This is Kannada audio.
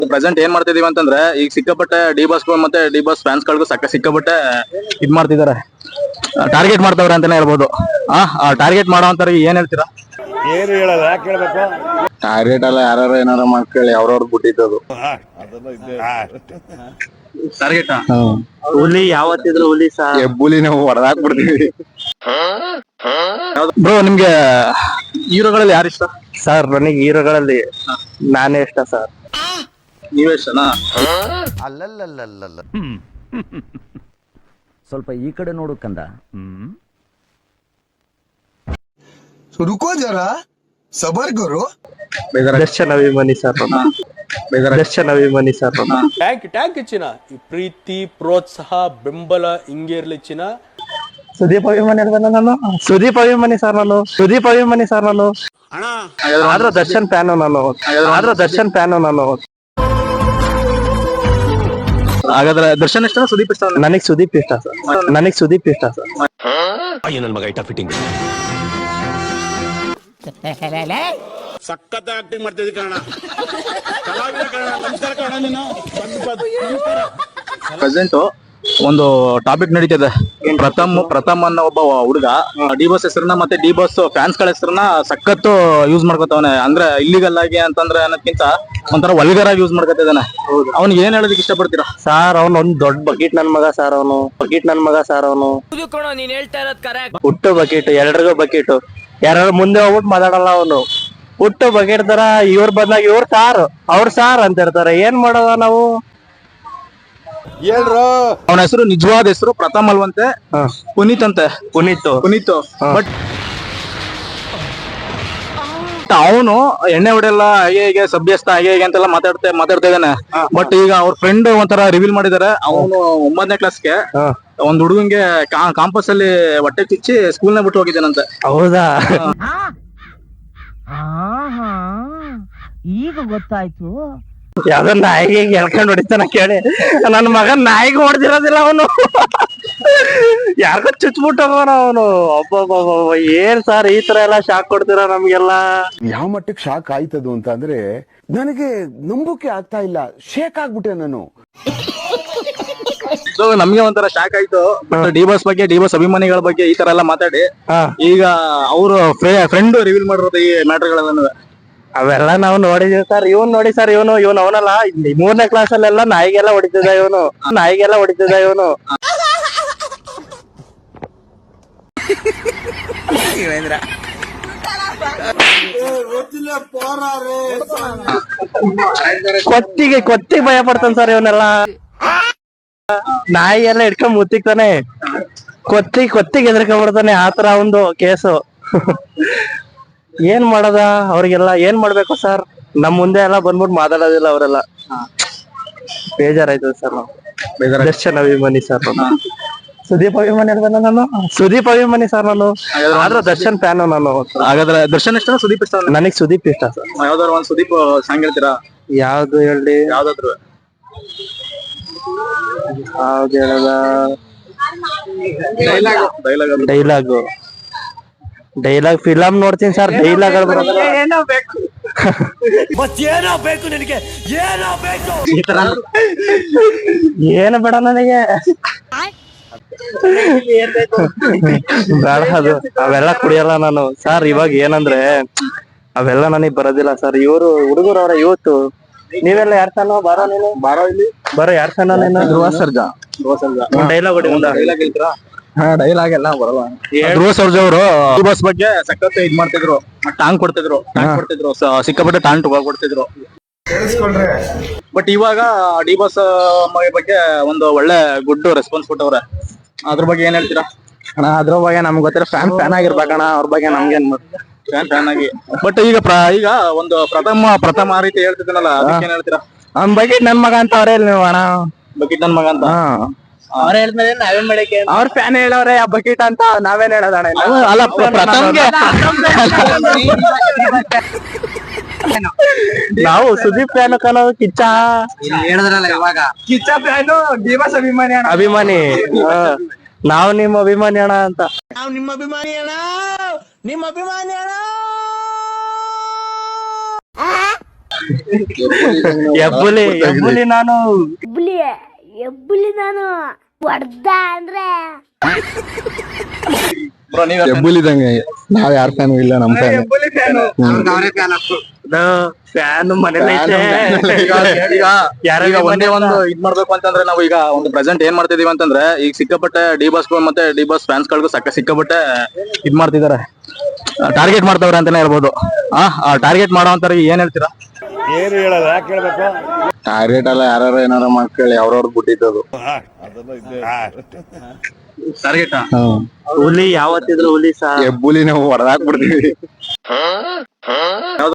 ಪ್ರೆಸೆಂಟ್ ಏನ್ ಮಾಡ್ತಿದೀವಿ ಅಂತಂದ್ರೆ ಈಗ ಸಿಕ್ಕಾಪಟ್ಟೆ ಡಿ ಬಾಸ್ ಮತ್ತೆ ಡಿ ಬಾಸ್ ಫ್ಯಾನ್ಸ್ ಗಳಿಗೂ ಸಿಕ್ಕಾಪಟ್ಟೆ ಇದ್ ಮಾಡ್ತಿದಾರೆ, ಟಾರ್ಗೆಟ್ ಮಾಡ್ತಾವ್ರೆ ಅಂತಾನೆ ಹೇಳ್ಬೋದು. ಆ ಟಾರ್ಗೆಟ್ ಮಾಡೋವಂತವ್ರಿಗೆ ಏನ್ ಹೇಳ್ತೀರಾ? ಏನು ಹೇಳಲ್ಲ, ಯಾಕೆ ಹೇಳ್ಬೇಕು? ಟಾರ್ಗೆಟ್ ಅಲ್ಲ, ಯಾರು ಏನಾರ ಮಾಡ್ಕೊಳ್ಳಿ, ಅವ್ರವ್ರು ಬಿಟ್ಟಿದ್ದು ಟಾರ್ಗೆಟ್. ಹುಲಿ ಯಾವತ್ತಿದ್ರು ಹುಲಿ ಹೆಬ್ಬುಲಿ ನಾವು ಹೊಡೆದಾಕ್ಬಿಡ್ತೀವಿ. ಬ್ರೋ, ನಿಮ್ಗೆ ಹೀರೋಗಳಲ್ಲಿ ಯಾರು ಇಷ್ಟ? ಸರ್ ನನಗೆ ಹೀರೋಗಳಲ್ಲಿ ನಾನೇ ಇಷ್ಟ ಸರ್. ನೀವೇ ಇಷ್ಟನಾ? ಅಲ್ಲಲ್ಲಲ್ಲಲ್ಲ, ಸ್ವಲ್ಪ ಈ ಕಡೆ ನೋಡು ಕಂದ. रुको जरा सबर करो. ದರ್ಶನ್ ಅಭಿಮಾನಿ ಸರ್, ದರ್ಶನ್ ಅಭಿಮಾನಿ ಸರ್. ಟ್ಯಾಂಕ್ ಚಿನ್ನ ಈ ಪ್ರೀತಿ ಪ್ರೋತ್ಸಾಹ ಬೆಂಬಲ ಹಿಂಗೆ ಇರ್ಲಿ ಚಿನ್ನ. ಸುದೀಪ್ ಅಭಿಮಾನಿ ಅಲ್ವೇನ ನಾನು? ಸುದೀಪ್ ಅಭಿಮಾನಿ ಸರ್ ನಾನು, ಸುದೀಪ್ ಅಭಿಮಾನಿ ಸರ್ ನಾನು. ಆದ್ರೆ ದರ್ಶನ್ ಫ್ಯಾನು ನಾನು, ಆದ್ರೆ ದರ್ಶನ್ ಫ್ಯಾನು ನಾನು. ಹಾಗಾದ್ರೆ ದರ್ಶನ್ ಇಷ್ಟ, ಸುದೀಪ್ ಇಷ್ಟ? ನನಗ್ ಸುದೀಪ್ ಇಷ್ಟ ಸರ್, ನನಗ್ ಸುದೀಪ್ ಇಷ್ಟ ಸರ್. ನನ್ ಮಗ ಐಟ ಫಿಟ್ಟಿಂಗ್ ಸಖತ್ ಆಕ್ಟಿಂಗ್ ಮಾಡ್ತಿದ್ದಿ ಕಾರಣ. ನಮಸ್ಕಾರ ಕಾರಣ. ನೀನು ಪ್ರೆಸೆಂಟ್ ಒಂದು ಟಾಪಿಕ್ ನಡೀತಿದೆ. ಪ್ರಥಮ್ ಅನ್ನೋ ಒಬ್ಬ ಹುಡುಗ ಡಿ ಬಾಸ್ ಹೆಸರನ್ನ ಮತ್ತೆ ಡಿ ಬಾಸ್ ಫ್ಯಾನ್ಸ್ ಗಳ ಹೆಸರನ್ನ ಸಖತ್ತು ಯೂಸ್ ಮಾಡ್ಕೊತವನೆ. ಅಂದ್ರೆ ಇಲ್ಲಿಗಲ್ ಆಗಿ ಅಂತಂದ್ರೆ ಅನ್ನೋದಕ್ಕಿಂತ ಒಂಥರ ವಲ್ಗರ್ ಆಗಿ ಯೂಸ್ ಮಾಡ್ಕೊತಿದ್ದಾನೆ. ಅವ್ನಿಗೆ ಏನ್ ಹೇಳೋದಕ್ಕೆ ಇಷ್ಟಪಡ್ತೀರಾ? ಸಾರ್ ಅವ್ನು ಒಂದ್ ದೊಡ್ಡ ಬಕೆಟ್ ನನ್ ಮಗ ಸಾರ್, ಅವನು ಬಕೆಟ್ ನನ್ ಮಗ ಸಾರ್. ಅವನು ಹುಟ್ಟು ಬಕೆಟ್, ಎಲ್ರಿಗೂ ಬಕೆಟ್. ಯಾರು ಮುಂದೆ ಹೋಗ್ಬಿಟ್ಟು ಮಾತಾಡಲ್ಲ ಅವನು. ಹುಟ್ಟು ಬಕೆಟ್ ತರ ಇವ್ರ ಬದಲಾಗಿ ಇವ್ರ ಸಾರ್, ಅವ್ರ ಸಾರ್ ಅಂತ ಇರ್ತಾರೆ. ಏನ್ ಮಾಡೋದ ನಾವು? ಹೇಳ್ರು. ಅವನ ಹೆಸರು ನಿಜವಾದ ಹೆಸರು ಪ್ರಥಮ್ ಅಲ್ವಂತೆ, ಪುನೀತ್ ಅಂತೆ. ಪುನೀತ್ ಬಟ್ ಅವನು ಎಣ್ಣೆ ಹೊಡೆಯಲ್ಲ, ಹಾಗೆ ಹೀಗೆ ಸಭ್ಯಸ್ಥ ಹಾಗೆ ಹೀಗೆ ಅಂತೆಲ್ಲ ಮಾತಾಡ್ತಾ ಇದ್ದಾನೆ. ಬಟ್ ಈಗ ಅವ್ರ ಫ್ರೆಂಡ್ ಒಂಥರ ರಿವೀಲ್ ಮಾಡಿದಾರೆ. ಅವನು 9ನೇ ಕ್ಲಾಸ್ಗೆ ಒಂದ್ ಹುಡುಗಂಗೆ ಕಾಂಪಸ್ ಅಲ್ಲಿ ಹೊಟ್ಟೆ ಚುಚ್ಚಿ ಸ್ಕೂಲ್ನ ಬಿಟ್ಟು ಹೋಗಿದ್ದಾನಂತೆ. ಹೌದಾ? ಈಗ ಗೊತ್ತಾಯ್ತು. ಯಾವ್ದೋ ನಾಯಿಗೆ ಎಳ್ಕೊಂಡ್ ಹೊಡಿತಾನ ಕೇಳಿ. ನನ್ ಮಗನ್ ನಾಯಿಗೆ ಹೊಡೆದಿರೋದಿಲ್ಲ ಅವನು, ಯಾರಿಗೋ ಚುಚ್ಬಿಟ್ಟವನ ಅವನು. ಒಬ್ಬೊಬ್ಬ ಏನ್ ಸರ್ ಈ ತರ ಎಲ್ಲಾ ಶಾಕ್ ಕೊಡ್ತೀರಾ ನಮ್ಗೆಲ್ಲ? ಯಾವ ಮಟ್ಟಕ್ಕೆ ಶಾಕ್ ಆಯ್ತದು ಅಂತ ಅಂದ್ರೆ ನನಗೆ ನಂಬೋಕೆ ಆಗ್ತಾ ಇಲ್ಲ. ಶೇಕ್ ಆಗ್ಬಿಟ್ಟೆ ನಾನು. ಸೊ ನಮ್ಗೆ ಒಂಥರ ಶಾಕ್ ಆಯ್ತು. ಬಟ್ ಡಿ ಬಾಸ್ ಬಗ್ಗೆ, ಡಿ ಬಾಸ್ ಅಭಿಮಾನಿಗಳ ಬಗ್ಗೆ ಈ ತರ ಎಲ್ಲ ಮಾತಾಡಿ ಈಗ ಅವರು ಫ್ರೆಂಡ್ ರಿವೀಲ್ ಮಾಡಿರೋದು ಈ ಮ್ಯಾಟರ್ಗಳೆಲ್ಲ ಅವೆಲ್ಲ ನಾವು ನೋಡಿದೀವಿ ಸರ್. ಇವನ್ ನೋಡಿ ಸರ್, ಇವನು ಅವನಲ್ಲ 3ನೇ ಕ್ಲಾಸ್ ಅಲ್ಲೆಲ್ಲ ನಾಯಿಗೆಲ್ಲ ಹೊಡಿತಿದ್ದ ಇವನು, ನಾಯಿಗೆಲ್ಲ ಹೊಡಿತಿದ್ದ ಇವನು. ಕೊತ್ತಿಗೆ ಭಯ ಪಡ್ತಾನ ಸರ್ ಇವನೆಲ್ಲ. ನಾಯಿ ಎಲ್ಲ ಇಟ್ಕೊಂಡ್ ಮುತ್ತಿಕ್ತಾನೆ, ಕೊತ್ತಿಗೆ ಎದ್ರಕೊಂಡ್ಬಿಡ್ತಾನೆ. ಆತರ ಒಂದು ಕೇಸು. ಏನ್ ಮಾಡದ ಅವ್ರಿಗೆಲ್ಲ? ಏನ್ ಮಾಡ್ಬೇಕು ಸರ್? ನಮ್ ಮುಂದೆ ಎಲ್ಲ ಬಂದ್ಬಿಟ್ಟು ಮಾತಾಡೋದಿಲ್ಲ ಅವರೆಲ್ಲ. ಬೇಜಾರಾಯ್ತದ ಸರ್. ನಾವು ದರ್ಶನ್ ಅಭಿಮಾನಿ ಸರ್, ಸುದೀಪ್ ಅಭಿಮಾನಿ ಅಲ್ವೇನ ನಾನು? ಸುದೀಪ್ ಅಭಿಮಾನಿ ಸರ್ ನಾನು, ಆದ್ರೆ ದರ್ಶನ್ ಫ್ಯಾನು ನಾನು. ಹಾಗಾದ್ರೆ ದರ್ಶನ್ ಇಷ್ಟ, ಸುದೀಪ್ ಇಷ್ಟ? ನನಗ್ ಸುದೀಪ್ ಇಷ್ಟ ಸರ್. ಯಾವ್ದಾದ್ರು ಒಂದ್ ಸುದೀಪ್ ಸಾಂಗ್ ಹೇಳ್ತೀರಾ? ಯಾವ್ದು ಹೇಳಿ? ಯಾವ್ದಾದ್ರು ಯಾವ್ದು ಹೇಳದ? ಡೈಲಾಗ್ ಫಿಲಂ ನೋಡ್ತೀನಿ ಸರ್. ಡೈಲಾಗ್ ಏನು ಬೇಡ ನನಗೆ, ಬೇಡ ಅದು. ಅವೆಲ್ಲ ಕುಡಿಯಲ್ಲ ನಾನು ಸರ್. ಇವಾಗ ಏನಂದ್ರೆ ಅವೆಲ್ಲ ನನಗ್ ಬರೋದಿಲ್ಲ ಸರ್. ಇವರು ಹುಡುಗರು ಅವರ ಇವತ್ತು. ನೀವೆಲ್ಲ ಯಾರ್ ಸಣ್ಣ? ಬಾರೋ ನೀನು, ಬಾರೋ ಇಲ್ಲಿ, ಬಾರೋ. ಯಾರ್ ಸಣ್ಣ ನೀನು? ಧ್ರುವ ಸರ್ಜಾ. ಡೈಲಾಗ್ ಹೊಡಿ, ಡೈಲಾಗ್ ಹೇಳ್ತೀರಾ? ಡೈಲಾಗ್ ಎಲ್ಲ ಬರಲ್ಲ. ಧ್ರುವ ಸರ್ಜಾ ಅವರು ಡಿ ಬಾಸ್ ಬಗ್ಗೆ ಸಖತ್ ಇದ್ ಮಾಡ್ತಿದ್ರು, ಟಾಂಗ್ ಕೊಡ್ತಿದ್ರು, ಸಿಕ್ಕಾಪಟ್ಟೆ ಟಾಂಗ್ ಕೊಡ್ತಿದ್ರು. ಬಟ್ ಇವಾಗ ಡಿ ಬಾಸ್ ಬಗ್ಗೆ ಒಂದು ಒಳ್ಳೆ ಗುಡ್ ರೆಸ್ಪಾನ್ಸ್ ಕೊಟ್ಟವ್ರೆ. ಅದ್ರ ಬಗ್ಗೆ ಏನ್ ಹೇಳ್ತೀರಾ? ಅಣ್ಣ ಅದ್ರ ಬಗ್ಗೆ ನಮ್ಗೆ ಗೊತ್ತಿರೋ ಫ್ಯಾನ್ ಆಗಿರ್ಬೇಕಣ್ಣ. ಅವ್ರ ಬಗ್ಗೆ ನಮ್ಗೇನ್ ಫ್ಯಾನ್ ಆಗಿ. ಬಟ್ ಈಗ ಒಂದು ಪ್ರಥಮ ರೀತಿ ಹೇಳ್ತಿದ್ದೀನಲ್ಲ, ಅದಕ್ಕೆ ಏನ್ ಹೇಳ್ತೀರಾ? ಅವ್ನ ಬಕೆಟ್ ನನ್ ಮಗ ಅಂತ ಅವ್ರೇ ನೀವು ಅಣ್ಣ. ಬಕೆಟ್ ನನ್ ಮಗ ಅಂತ ಅವ್ರ ಹೇಳಿದ್ಮೇಲೆ ನಾವೇನ್ ಮಾಡಕ್ಕೆ? ಅವ್ರ ಫ್ಯಾನ್ ಹೇಳವ್ರೆ ಆ ಬಕೆಟ್ ಅಂತ, ನಾವೇನ್ ಹೇಳೋದಣ್ಣ? ಅಲ್ಲ, ಪ್ರಥಮ್ಗೆ ನಾವು ಸುದೀಪ್ ಫ್ಯಾನ್ ಕಣೋ. ಕಿಚ್ಚ ಹೇಳಿದ್ರಲ್ಲ ಇವಾಗ, ಕಿಚ್ಚ ಫ್ಯಾನು, ಡಿ ಬಾಸ್ ಅಭಿಮಾನಿ. ನಾವು ನಿಮ್ಮ ಅಭಿಮಾನಿ ಅಣ್ಣ ಅಂತ. ನಾವು ನಿಮ್ಮ ಅಭಿಮಾನಿ ಅಣ್ಣ, ನಿಮ್ಮ ಅಭಿಮಾನಿ ಅಣ್ಣ. ಎಬ್ಬುಲಿ ನಾನು ಎಬ್ಬುಲಿ ನಾನು ಹೊಡ್ದ ಅಂದ್ರೆ ಬ್ರೋ ನೀವ್ ಹೆಬ್ಬುಲಿದಂಗೆ ನಾವ್ ಯಾರ ಫ್ಯಾನು ಇಲ್ಲ ನಮ್ ಫ್ಯಾನ್ ಫ್ಯಾನ್ ಮನೇಲಿ ಈಗ ಒಂದೇ ಒಂದು ಇದ್ ಮಾಡ್ಬೇಕು ಅಂತಂದ್ರೆ ನಾವು ಈಗ ಒಂದು ಪ್ರೆಸೆಂಟ್ ಏನ್ ಮಾಡ್ತಿದೀವಿ ಅಂತಂದ್ರೆ ಈಗ ಸಿಕ್ಕಾಪಟ್ಟೆ ಡಿ ಬಾಸ್ ಮತ್ತೆ ಡಿ ಬಾಸ್ ಫ್ಯಾನ್ಸ್ ಗಳಿಗೂ ಸಿಕ್ಕಾಪಟ್ಟೆ ಇದ್ ಮಾಡ್ತಿದಾರೆ, ಟಾರ್ಗೆಟ್ ಮಾಡ್ತಾವ್ರೆ ಅಂತಾನೆ ಹೇಳ್ಬೋದು. ಟಾರ್ಗೆಟ್ ಮಾಡೋ ಅಂತವ್ರಿಗೆ ಏನ್ ಹೇಳ್ತೀರಾ? ಏನು ಹೇಳಲ್ಲ, ಯಾಕೆ ಹೇಳ್ಬೇಕು? ಟಾರ್ಗೆಟ್ ಅಲ್ಲ, ಯಾರು ಏನಾರ ಮಾಡ್ಕೊಳ್ಳಿ, ಅವ್ರವ್ರ ಬಿಟ್ಟಿದ್ದದು. ಟಾರ್ಗೆಟ್ ಹುಲಿ ಯಾವತ್ತಿದ್ರು ಹುಲಿ ಸಹ ಹೆಬ್ಬುಲಿ ನಾವು ಹೊಡೆದಾಕ್ಬಿಡ್ತೀವಿ.